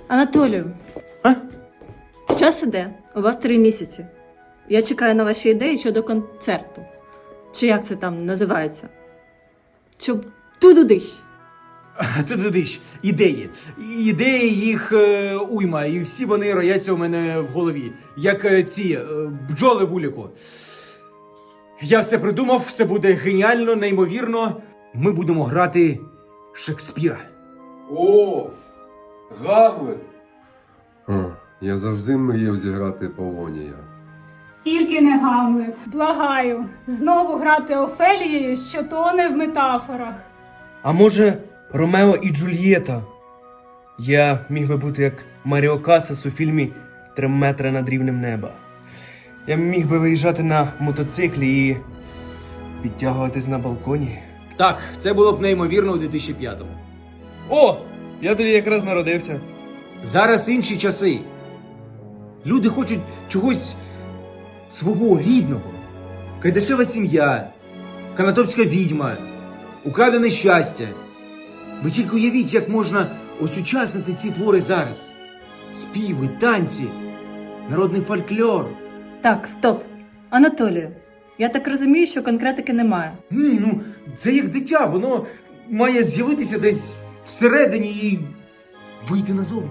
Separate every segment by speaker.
Speaker 1: Анатолію,
Speaker 2: А?
Speaker 1: час іде. У вас 3 місяці. Я чекаю на ваші ідеї щодо концерту. Чи як це там називається? Щоб тудудищ.
Speaker 2: Ти ідеї. Ідеї їх уйма, і всі вони рояться у мене в голові. Як ці бджоли в уліку. Я все придумав, все буде геніально, неймовірно. Ми будемо грати Шекспіра.
Speaker 3: О, Гамлет! Я завжди мріяв зіграти Полонія.
Speaker 4: Тільки не Гамлет. Благаю, знову грати Офелією, що тоне в метафорах.
Speaker 5: А може, Ромео і Джульєта? Я міг би бути як Маріо Касас у фільмі «3 метри над рівнем неба». Я міг би виїжджати на мотоциклі і підтягуватись на балконі.
Speaker 2: Так, це було б неймовірно у 2005-му.
Speaker 5: О! Я тоді якраз народився.
Speaker 2: Зараз інші часи. Люди хочуть чогось свого рідного. Кайдашева сім'я, канатопська відьма, украдене щастя. Ви тільки уявіть, як можна осучаснити ці твори зараз. Співи, танці, народний фольклор.
Speaker 1: Так, стоп. Анатолію, я так розумію, що конкретики немає.
Speaker 2: Ні, ну, це як дитя, воно має з'явитися десь всередині і вийти назовні.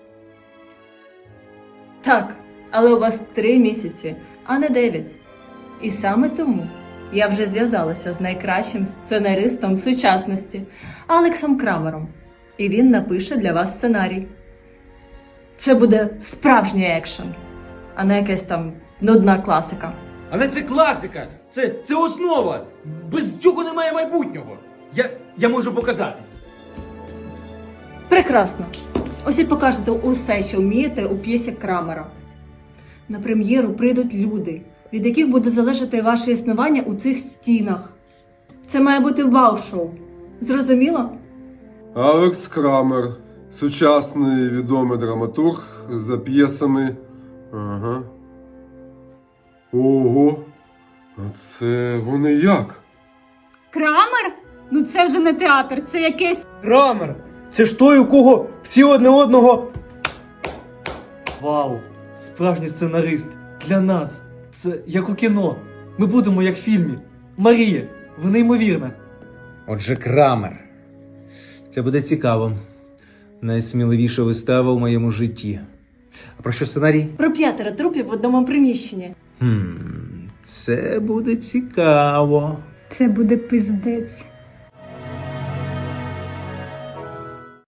Speaker 1: Так, але у вас 3 місяці, а не 9. І саме тому я вже зв'язалася з найкращим сценаристом сучасності Алексом Крамером. І він напише для вас сценарій. Це буде справжній екшен, а не якась там нудна класика.
Speaker 2: Але це класика, це основа. Без цього немає майбутнього. Я можу показати.
Speaker 1: Прекрасно. Ось і покажете усе, що вмієте у п'єсі Крамера. На прем'єру прийдуть люди, від яких буде залежати ваше існування у цих стінах. Це має бути вау-шоу. Зрозуміло?
Speaker 3: Алекс Крамер, сучасний відомий драматург за п'єсами. Ага. Ого. А це вони як?
Speaker 4: Крамер? Ну це вже не театр, це якесь...
Speaker 5: Крамер! Це ж той, у кого всі одне одного...
Speaker 6: Вау! Справжній сценарист. Для нас. Це як у кіно. Ми будемо як в фільмі. Марія, ви неймовірна.
Speaker 2: Отже, Крамер. Це буде цікаво. Найсміливіша вистава в моєму житті. А про що сценарій?
Speaker 1: Про 5 трупів в одному приміщенні.
Speaker 2: Це буде цікаво.
Speaker 4: Це буде пиздець.